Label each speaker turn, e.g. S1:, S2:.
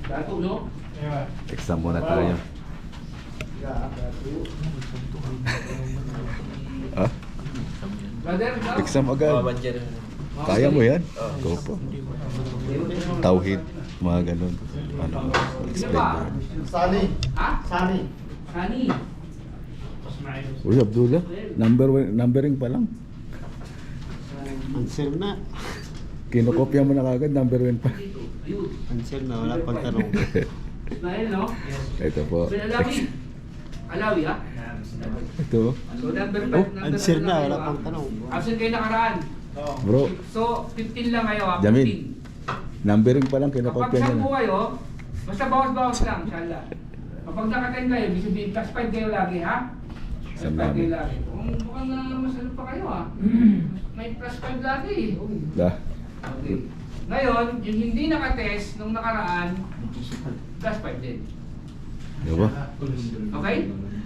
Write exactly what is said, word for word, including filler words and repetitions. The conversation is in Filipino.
S1: Dato, no?
S2: Exam muna tayo. Ah?
S1: Brother, ikaw?
S2: Exam agad. Kaya mo yan? Go po. Tauhid, mga ganun. Ano, explain mo.
S3: Sani.
S1: Ha?
S3: Sani.
S1: Sani.
S2: Uy, Abdullah, number one, numbering pa lang.
S3: Answer na.
S2: Kinokopya mo na kagad, number one pa.
S1: Ayun.
S3: Answer na, wala pang tanong.
S1: Ismael, no?
S2: Ito po.
S1: Bin Alawi. Alawi, ha?
S2: Ito.
S1: So, number
S2: Oh,
S1: five. number
S3: answer
S1: five
S3: na,
S1: kayo,
S3: wala
S1: ha?
S3: pang tanong.
S1: Absent kayo nakaraan.
S2: Bro,
S1: So, fifteen lang kayo, ha?
S2: Jamin.
S1: fifteen.
S2: numbering pa lang,
S1: Kapag
S2: kinokopya niya
S1: sampu
S2: na.
S1: kayo, basta bawas-bawas lang, inshallah. Kapag naka-ten kayo, ibig sabihin, plus five kayo lagi, ha? Plus
S2: Isang
S1: five kayo
S2: namin.
S1: lagi. Kung mukhang na mas ano pa kayo, ha? May plus five lagi, eh.
S2: Dah.
S1: Okay. Ngayon, yung hindi naka-test nung nakaraan, plus five din.
S2: Di ba?
S1: Okay?